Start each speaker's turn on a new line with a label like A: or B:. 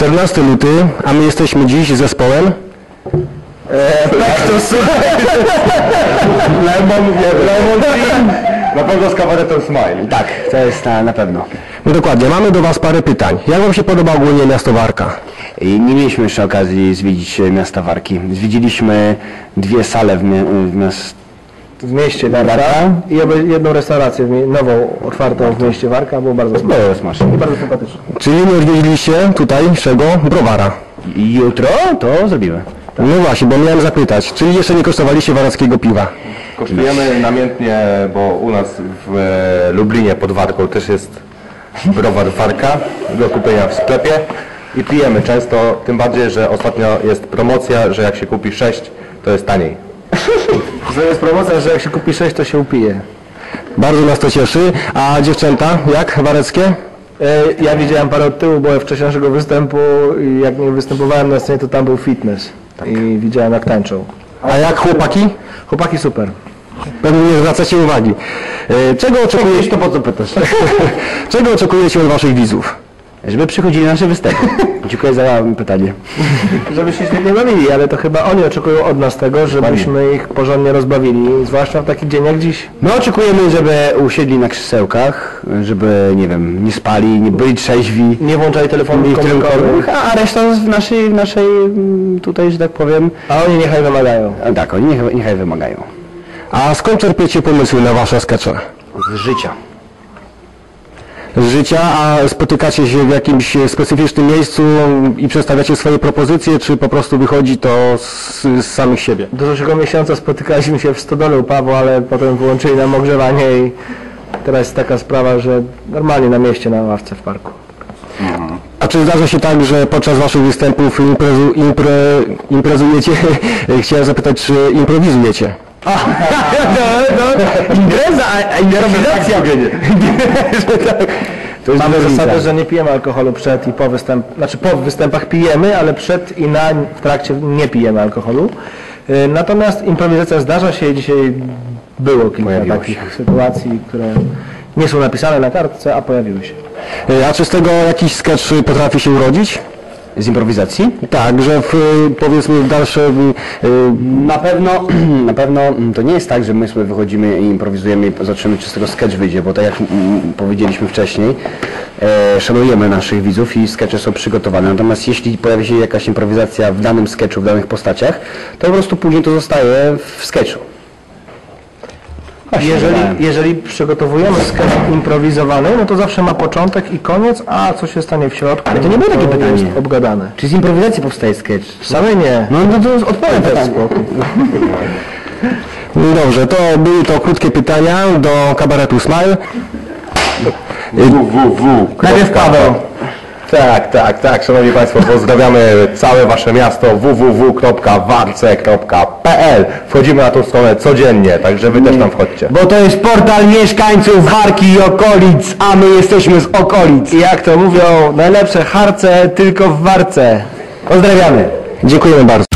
A: 14 luty, a my jesteśmy dziś zespołem
B: Pektus. Lemon Green. Na pewno z kabaretem Smile.
C: Tak, to jest na pewno.
A: No dokładnie, mamy do Was parę pytań. Jak Wam się podoba ogólnie miasto Warka?
C: I nie mieliśmy jeszcze okazji zwiedzić miasta Warki. Zwiedziliśmy 2 sale
B: W mieście Warka i jedną restaurację nową, otwartą w mieście Warka, było bardzo smaczne i bardzo sympatyczne.
A: Czyli nie odwiedziliście tutejszego browara?
C: I jutro to zrobimy.
A: No właśnie, bo miałem zapytać, czyli jeszcze nie kosztowaliście warackiego piwa?
B: Kosztujemy namiętnie, bo u nas w Lublinie pod Warką też jest browar Warka do kupienia w sklepie i pijemy często, tym bardziej, że ostatnio jest promocja, że jak się kupi 6, to jest taniej. To jest promocja, że jak się kupi 6, to się upije.
A: Bardzo nas to cieszy. A dziewczęta, jak wareckie?
B: Ja widziałem parę od tyłu, byłem wcześniejszego występu i jak nie występowałem na scenie, to tam był fitness. I widziałem jak tańczą.
A: A jak chłopaki?
B: Chłopaki super.
A: Pewnie nie zwracacie uwagi. Czego oczekujecie,
C: To po co pytasz?
A: czego oczekujecie od Waszych widzów?
C: Żeby przychodzili na nasze występy. Dziękuję za pytanie.
B: Żeby się świetnie bawili, ale to chyba oni oczekują od nas tego, żebyśmy ich porządnie rozbawili, zwłaszcza w taki dzień jak dziś.
C: My oczekujemy, żeby usiedli na krzesełkach, żeby, nie wiem, nie spali, nie byli trzeźwi.
B: Nie włączali telefonów komórkowych,
C: A reszta w naszej tutaj, że tak powiem,
B: a oni niechaj wymagają.
C: tak, oni niechaj wymagają.
A: A skąd czerpiecie pomysły na Wasze skecze?
C: Z życia.
A: Z życia, a spotykacie się w jakimś specyficznym miejscu i przedstawiacie swoje propozycje, czy po prostu wychodzi to z samych siebie?
B: Do zeszłego miesiąca spotykaliśmy się w Stodole u Pawła, ale potem wyłączyli nam ogrzewanie i teraz jest taka sprawa, że normalnie na mieście, na ławce w parku.
A: A czy zdarza się tak, że podczas Waszych występów imprezujecie? Chciałem zapytać, czy improwizujecie?
C: Improwizacja!
B: Mamy zasadę, że nie pijemy alkoholu przed i po występach, znaczy po występach pijemy, ale przed i w trakcie nie pijemy alkoholu. Natomiast improwizacja zdarza się i dzisiaj było kilka takich sytuacji, które nie są napisane na kartce, a pojawiły się.
A: A czy z tego jakiś sketch potrafi się urodzić?
C: Z improwizacji?
A: Tak, że powiedzmy w dalszym...
C: Na pewno to nie jest tak, że my sobie wychodzimy i improwizujemy i zobaczymy, czy z tego sketch wyjdzie, bo tak jak powiedzieliśmy wcześniej, szanujemy naszych widzów i skecze są przygotowane. Natomiast jeśli pojawi się jakaś improwizacja w danym sketchu, w danych postaciach, to po prostu później to zostaje w sketchu.
B: Jeżeli przygotowujemy sketch improwizowany, no to zawsze ma początek i koniec, a co się stanie w środku,
C: Ale to nie było takie pytanie.
B: jest obgadane.
C: Czy z improwizacji powstaje sketch?
B: Wcale nie.
C: No to odpowiem teraz.
A: Dobrze, to były to krótkie pytania do kabaretu Smile.
B: Najpierw Paweł.
D: Tak, Szanowni Państwo, pozdrawiamy całe Wasze miasto www.warce.pl. Wchodzimy na tą stronę codziennie, także Wy też tam wchodźcie.
C: Bo to jest portal mieszkańców Warki i okolic, a my jesteśmy z okolic.
B: I jak to mówią, najlepsze harce tylko w Warce.
C: Pozdrawiamy.
A: Dziękujemy bardzo.